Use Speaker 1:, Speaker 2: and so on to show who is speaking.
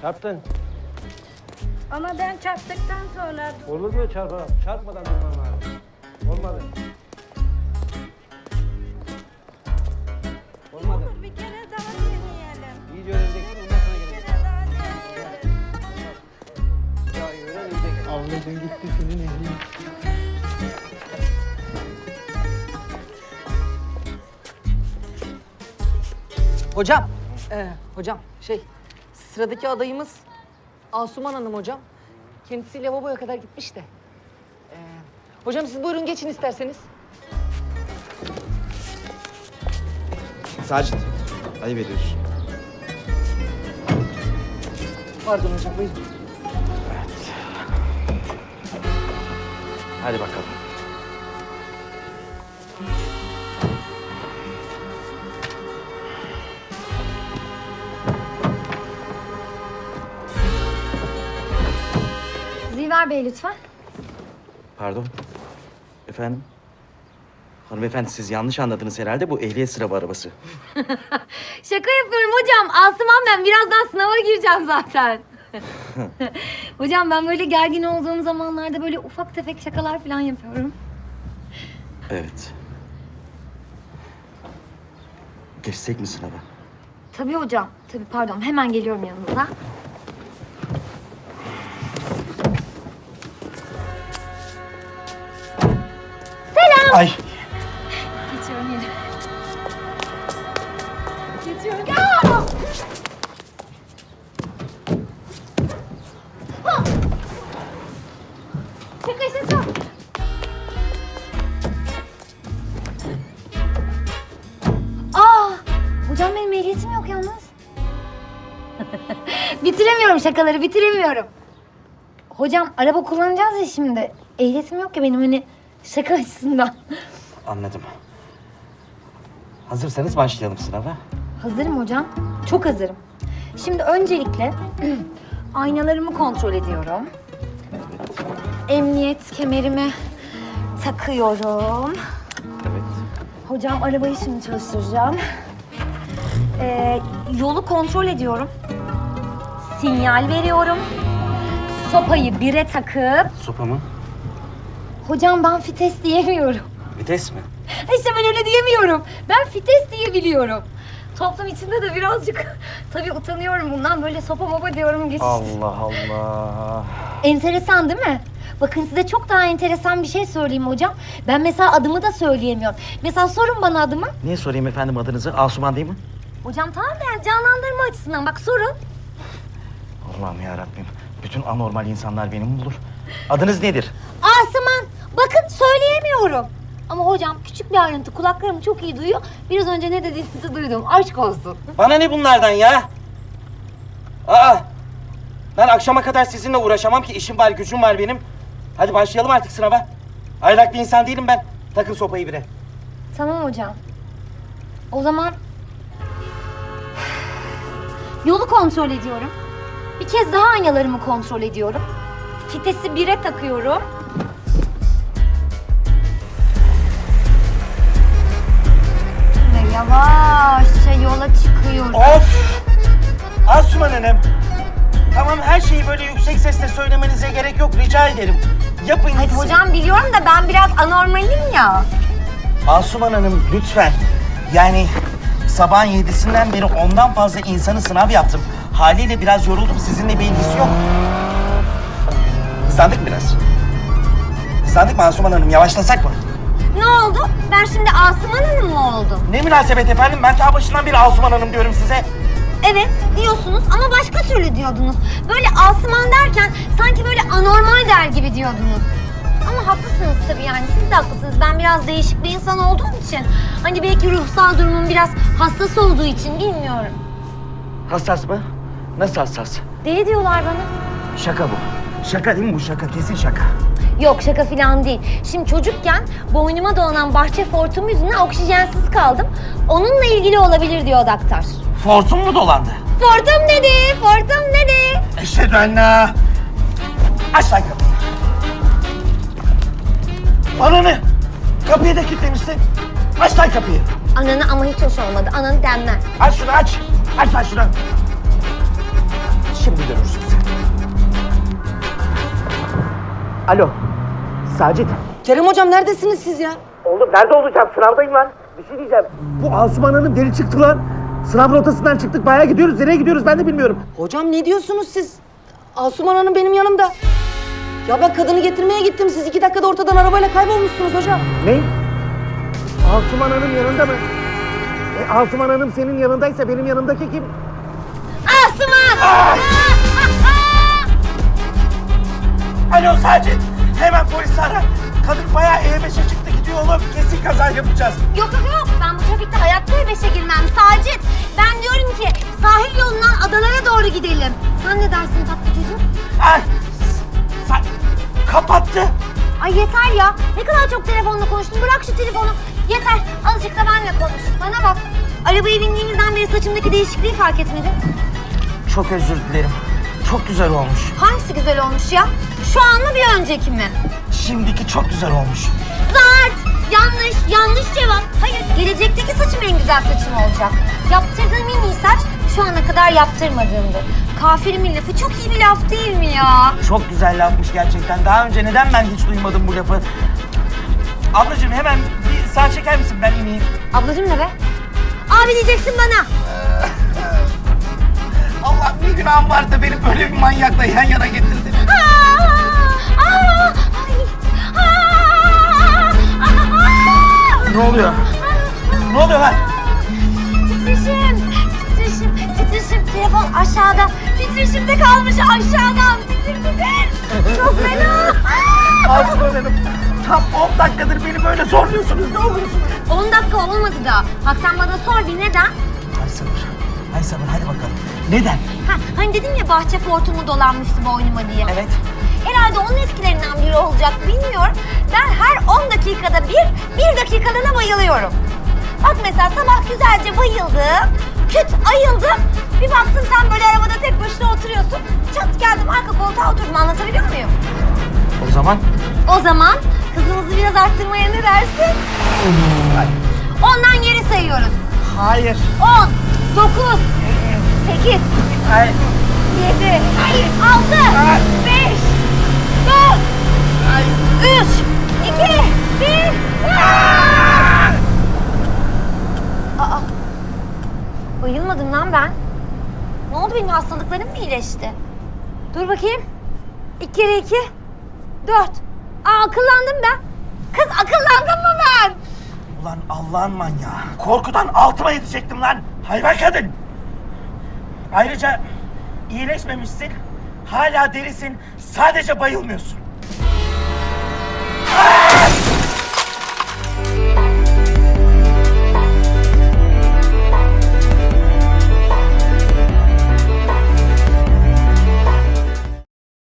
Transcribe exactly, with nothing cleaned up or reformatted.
Speaker 1: Çarptın.
Speaker 2: Ama ben çarptıktan sonra...
Speaker 1: Olur mu çarpalım? Çarpmadan durman lazım. Olmadı. Olmadı.
Speaker 2: Olur, bir kere daha deneyelim.
Speaker 1: İyice öğreneceksin, ondan sonra
Speaker 2: Bir
Speaker 1: geleceksin.
Speaker 2: kere daha deneyelim.
Speaker 1: Ya öğren, iyice gel.
Speaker 3: Ablacığım gitti senin ehlin.
Speaker 4: Hocam, e, hocam şey, sıradaki adayımız Asuman Hanım hocam. Kendisi lavaboya kadar gitmiş de. E, hocam siz buyurun geçin isterseniz.
Speaker 5: Sacit, ayıp ediyorsun.
Speaker 4: Pardon hocam buyurun.
Speaker 5: Hadi bakalım.
Speaker 6: Ziver Bey lütfen.
Speaker 5: Pardon. Efendim? Hanımefendi siz yanlış anladınız herhalde. Bu ehliyet sınavı arabası.
Speaker 6: Şaka yapıyorum hocam. Asuman ben. Birazdan sınava gireceğim zaten. Hocam ben böyle gergin olduğum zamanlarda böyle ufak tefek şakalar falan yapıyorum.
Speaker 5: Evet. Geçsek mi sınava?
Speaker 6: Tabii hocam. Tabii pardon. Hemen geliyorum yanınıza.
Speaker 5: Ay!
Speaker 6: Geçiyorum yine. Geçiyorum. Aa! Ha! Şaka şaka. Aa! Hocam benim ehliyetim yok yalnız. Bitiremiyorum şakaları, bitiremiyorum. Hocam araba kullanacağız ya şimdi. Ehliyetim yok ya benim hani şaka açısından.
Speaker 5: Anladım. Hazırsanız başlayalım sınava.
Speaker 6: Hazırım hocam. Çok hazırım. Şimdi öncelikle aynalarımı kontrol ediyorum. Emniyet kemerimi takıyorum.
Speaker 5: Evet.
Speaker 6: Hocam arabayı şimdi çalıştıracağım. Ee, yolu kontrol ediyorum. Sinyal veriyorum. Sopayı bire takıp...
Speaker 5: Sopa mı?
Speaker 6: Hocam ben fites diyemiyorum.
Speaker 5: Vites mi?
Speaker 6: İşte ben öyle diyemiyorum. Ben fites diyebiliyorum. Toplum içinde de birazcık tabii utanıyorum bundan. Böyle sopa mopa diyorum. Geç.
Speaker 5: Allah Allah.
Speaker 6: Enteresan değil mi? Bakın size çok daha enteresan bir şey söyleyeyim hocam. Ben mesela adımı da söyleyemiyorum. Mesela sorun bana adımı.
Speaker 5: Niye sorayım efendim adınızı? Asuman değil mi?
Speaker 6: Hocam tamam da yani canlandırma açısından bak sorun.
Speaker 5: Allah'ım yarabbim. Bütün anormal insanlar beni mi bulur? Adınız nedir?
Speaker 6: Asuman. Bakın söyleyemiyorum. Ama hocam küçük bir ayrıntı kulaklarım çok iyi duyuyor. Biraz önce ne dediğinizi duydum. Aşk olsun.
Speaker 5: Bana ne bunlardan ya? Aa! Ben akşama kadar sizinle uğraşamam ki işim var, gücüm var benim. Hadi başlayalım artık sınava. Aylak bir insan değilim ben. Takın sopayı bire.
Speaker 6: Tamam hocam. O zaman yolu kontrol ediyorum. Bir kez daha aynalarımı kontrol ediyorum. Fitesi bire takıyorum. Ve yavaşça yola çıkıyorum.
Speaker 5: Of! Asuman Hanım. Tamam her şeyi böyle yüksek sesle söylemenize gerek yok. Rica ederim. Yapın
Speaker 6: Hadi
Speaker 5: gitsin.
Speaker 6: hocam biliyorum da ben biraz anormalim ya.
Speaker 5: Asuman Hanım lütfen. Yani sabahın yedisinden beri ondan fazla insanı sınav yaptım. Haliyle biraz yoruldum. Sizinle bir ilgisi yok. Hızlandık mı biraz? Hızlandık mı Asuman Hanım? Yavaşlasak mı?
Speaker 6: Ne oldu? Ben şimdi Asuman Hanım mı oldum?
Speaker 5: Ne münasebet efendim? Ben ta başından beri Asuman Hanım diyorum size.
Speaker 6: Evet diyorsunuz ama başka türlü diyordunuz. Böyle Asuman derken sanki böyle anormal der gibi diyordunuz. Ama haklısınız tabii yani siz de haklısınız. Ben biraz değişik bir insan olduğum için. Hani belki ruhsal durumum biraz hassas olduğu için bilmiyorum.
Speaker 5: Hassas mı? Nasıl hassas?
Speaker 6: Deli diyorlar bana.
Speaker 5: Şaka bu. Şaka değil mi bu? Şaka. Kesin şaka.
Speaker 6: Yok şaka falan değil. Şimdi çocukken boynuma dolanan bahçe fortum yüzünden oksijensiz kaldım. Onunla ilgili olabilir diyor doktor.
Speaker 5: Fortun mu dolandı?
Speaker 6: Fortum dedi, fortum dedi.
Speaker 5: Eşhedü ennâ. Aç lan kapıyı. Ananı! Kapıyı da kilitlemişsin. Aç lan kapıyı.
Speaker 6: Ananı ama hiç hoş olmadı. Ananı denmez.
Speaker 5: Aç şunu aç. Aç lan şunu. Şimdi görürsün sen. Alo. Sacit.
Speaker 4: Kerem hocam neredesiniz siz ya?
Speaker 5: Oğlum nerede olacağım? Sınavdayım lan. Bir şey diyeceğim. Bu Asuman Hanım deli çıktı lan. Sınav rotasından çıktık. Bayağı gidiyoruz. Nereye gidiyoruz ben de bilmiyorum.
Speaker 4: Hocam ne diyorsunuz siz? Asuman Hanım benim yanımda. Ya ben kadını getirmeye gittim. Siz iki dakikada ortadan arabayla kaybolmuşsunuz hocam.
Speaker 5: Ne? Asuman Hanım yanında mı? E, Asuman Hanım senin yanındaysa benim yanımdaki kim?
Speaker 6: Asuman!
Speaker 5: Alo Sacit. Hemen polisi ara. Kadın bayağı E beşe çıktı gidiyor oğlum. Kesin kaza yapacağız.
Speaker 6: Yok yok yok, ben bu trafikte hayatta E beşe girmem Sacit. Ben diyorum ki sahil yolundan adalara doğru gidelim. Sen ne dersin tatlı çocuğum?
Speaker 5: Ay. Sa kapattı.
Speaker 6: Ay yeter ya, ne kadar çok telefonla konuştun, bırak şu telefonu. Yeter, azıcık da benimle konuş. Bana bak, arabaya bindiğimizden beri saçımdaki değişikliği fark etmedin.
Speaker 5: Çok özür dilerim. Çok güzel olmuş.
Speaker 6: Hangisi güzel olmuş ya? Şu an mı bir önceki mi?
Speaker 5: Şimdiki çok güzel olmuş.
Speaker 6: Zart! Yanlış, yanlış cevap. Hayır, gelecekteki saçım en güzel saçım olacak. Yaptırdığım en iyi saç şu ana kadar yaptırmadığımdı. Kafirimin lafı çok iyi bir laf değil mi ya?
Speaker 5: Çok güzel lafmış gerçekten. Daha önce neden ben hiç duymadım bu lafı? Ablacığım hemen bir sağ çeker misin? Ben ineyim.
Speaker 6: Ablacığım ne be? Abi diyeceksin bana.
Speaker 5: Allah bir günahım vardı da beni böyle bir manyakla yan yana getirdin.
Speaker 6: Aa, aa, ay, aa, aa.
Speaker 5: Ne oluyor? Ne oluyor lan?
Speaker 6: Titreşim, titreşim, titreşim. Telefon aşağıda. Titreşimde kalmış aşağıdan. Titir titir. Çok fena.
Speaker 5: Asuman Hanım, tam on dakikadır beni böyle zorluyorsunuz. Ne olursunuz?
Speaker 6: on dakika olmadı da. Bak sen bana sor bir neden?
Speaker 5: Ay sabır. Ay sabır hadi bakalım. Neden?
Speaker 6: Ha, hani dedim ya bahçe fortumu dolanmıştı boynuma diye.
Speaker 5: Evet.
Speaker 6: Herhalde onun etkilerinden biri olacak bilmiyorum. Ben her on dakikada bir, bir dakikalığına bayılıyorum. Bak mesela sabah güzelce bayıldım, küt ayıldım. Bir baktım sen böyle arabada tek başına oturuyorsun. Çat geldim arka koltuğa oturdum, anlatabiliyor muyum?
Speaker 5: O zaman?
Speaker 6: O zaman hızımızı biraz arttırmaya ne dersin? Ondan geri sayıyoruz.
Speaker 5: Hayır.
Speaker 6: On, dokuz, sekiz,
Speaker 5: Hayır.
Speaker 6: yedi, altı, beş, dört, üç, iki, bir. Aa, bayılmadım lan ben. Ne oldu, benim hastalıklarım mı iyileşti? Dur bakayım. İki kere iki, dört. Aa, akıllandım ben. Kız akıllandım mı ben?
Speaker 5: Ulan Allah'ın manyağı. Korkudan altıma yetecektim lan. Hayvan kadın. Ayrıca iyileşmemişsin. Hala delisin. Sadece bayılmıyorsun.